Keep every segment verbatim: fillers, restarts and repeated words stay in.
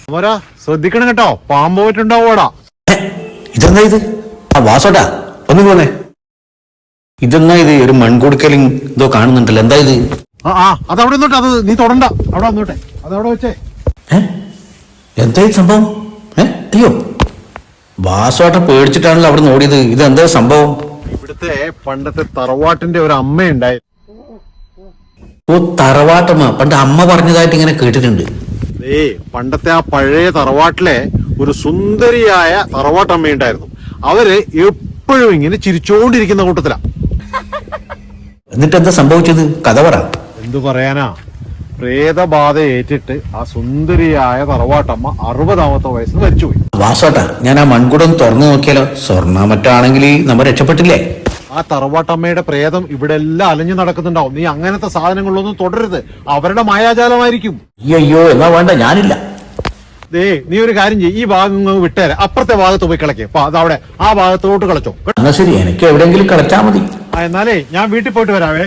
മോരാ ശ്രദ്ധിക്കണം കേട്ടോ, പാമ്പ് പോയിട്ടുണ്ടാവോടാ. ഇതെന്താ ഇത്? ആ വാസോട്ടാ ഒന്ന് പോന്നെ. ഇതെന്നാ ഇത്? ഒരു മൺകുടുക്കലും ഇതോ കാണുന്നുണ്ടല്ലോ, എന്താ ഇത്? ആ ആ അതവിടെ നിന്നോട്ടെ, അത് നീ തൊടണ്ട, അവിടെ വന്നോട്ടെ, അതവിടെ വെച്ചേ. ഏ എന്താ ഈ സംഭവം? ഏ അയ്യോ, വാസോട്ട പേടിച്ചിട്ടാണല്ലോ അവിടെ നോടിയത്. ഇതെന്താ സംഭവം? ഇവിടുത്തെ പണ്ടത്തെ തറവാട്ടിന്റെ ഒരു അമ്മയുണ്ടായി. ഓ, തറവാട്ടമ്മ. പണ്ട് അമ്മ പറഞ്ഞതായിട്ട് ഇങ്ങനെ കേട്ടിട്ടുണ്ട്. ഏ പണ്ടത്തെ ആ പഴയ തറവാട്ടിലെ ഒരു സുന്ദരിയായ തറവാട്ടമ്മയുണ്ടായിരുന്നു. അവര് എപ്പോഴും ഇങ്ങനെ ചിരിച്ചോണ്ടിരിക്കുന്ന കൂട്ടത്തിലാ. എന്നിട്ട് എന്താ സംഭവിച്ചത്? കഥ പറ. എന്തു പറയാനാ, പ്രേതബാധ ഏറ്റിട്ട് ആ സുന്ദരിയായ തറവാട്ടമ്മ അറുപതാമത്തെ വയസ്സിൽ മരിച്ചുപോയി. വാസോട്ടാ, ഞാൻ ആ മൺകുടം തുറന്നു നോക്കിയാലോ? സ്വർണ്ണ മറ്റാണെങ്കിൽ നമ്മൾ രക്ഷപ്പെട്ടില്ലേ? ആ തറവാട്ടമ്മയുടെ പ്രേതം ഇവിടെ എല്ലാം അലഞ്ഞു നടക്കുന്നുണ്ടാവും. നീ അങ്ങനത്തെ സാധനങ്ങളൊന്നും തുടരുത്, അവരുടെ മായാജാലമായിരിക്കും. അയ്യോ, എന്നാ വേണ്ട, ഞാനില്ല. ദേ നീ ഒരു കാര്യം ചെയ്യ്, ഈ ഭാഗം വിട്ടേരെ, അപ്പുറത്തെ ഭാഗത്ത് പോയി കളക്കേ. അപ്പൊ അതവിടെ ആ ഭാഗത്തോട്ട് കളച്ചോ. എന്നാ ശരി, എനിക്ക് എവിടെയെങ്കിലും കളിച്ചാ മതി. ആ എന്നാലേ ഞാൻ വീട്ടിൽ പോയിട്ട് വരാവേ.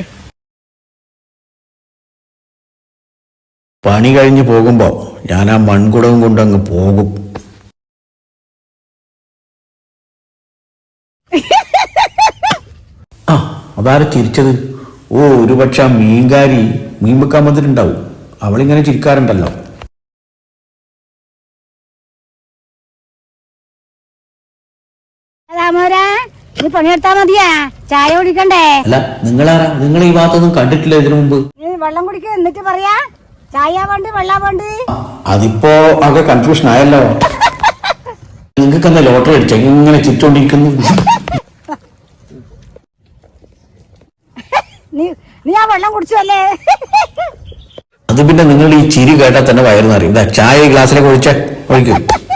പണി കഴിഞ്ഞ് പോകുമ്പോ ഞാൻ ആ മൺകുടവും കൊണ്ടങ്ങ് പോകും. ആ അതാരെ ചിരിച്ചത്? ഓ, ഒരുപക്ഷെ ആ മീൻകാരി മീൻ വെക്കാൻ വന്നിട്ടുണ്ടാവും. അവളിങ്ങനെ ചിരിക്കാറുണ്ടല്ലോ. നീ പണിയെടുത്താ മതിയാ, ചായ കുടിക്കണ്ടേ? അല്ല, നിങ്ങളാരാ? നിങ്ങൾ ഈ ഭാഗത്തൊന്നും കണ്ടിട്ടില്ല ഇതിനു മുമ്പ്. നീ വെള്ളം കുടിക്ക, എന്നിട്ട് പറയാ ചായ വേണ്ട വെള്ള വേണ്ട. അതിപ്പോ ആകെ കൺഫ്യൂഷൻ ആയല്ലോ. നിങ്ങൾക്ക് എന്താ ലോട്ടറി അടിച്ച ഇങ്ങനെ ചിരിച്ചോണ്ടിരിക്കുന്നു? നീ നീ ആ വെള്ളം കുടിച്ചല്ലേ? അത് പിന്നെ നിങ്ങൾ ഈ ചിരി കേട്ടാൽ തന്നെ വയറുന്ന് അറിയും. എന്താ ചായ ഗ്ലാസ്സിലേക്ക് ഒഴിച്ച ഒഴിക്കും.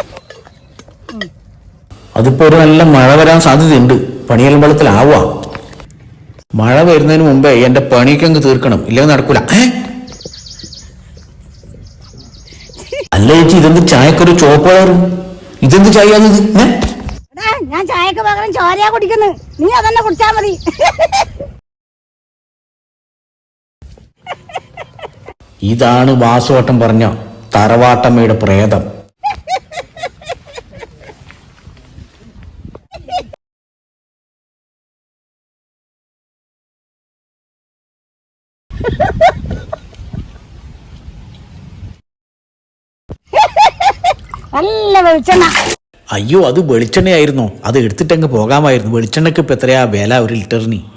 അതിപ്പോ ഒരു നല്ല മഴ വരാൻ സാധ്യതയുണ്ട്. പണിയെല്ലാം വെള്ളത്തിലാവുക. മഴ വരുന്നതിന് മുമ്പേ എന്റെ പണിയൊക്കെ അങ്ങ് തീർക്കണം, ഇല്ലെങ്കിൽ നടക്കൂല. അല്ല ചേച്ചി, ഇതെന്ത് ചായക്കൊരു ചോപ്പ് കളറ്? ഇതെന്ത് ചായ? ഞാൻ ചായക്ക് പകരം ചോരയാ കുടിക്കുന്നു, നീ അതന്നെ കുടിച്ചാ മതി. ഇതാണ് വാസുവട്ടം പറഞ്ഞ തറവാട്ടമ്മയുടെ പ്രേതം. നല്ല വെളിച്ചെണ്ണ. അയ്യോ, അത് വെളിച്ചെണ്ണയായിരുന്നോ? അത് എടുത്തിട്ടങ്ങ് പോകാമായിരുന്നു. വെളിച്ചെണ്ണക്ക് ഇപ്പൊ എത്രയാ വില ഒരു ലിറ്ററിന്?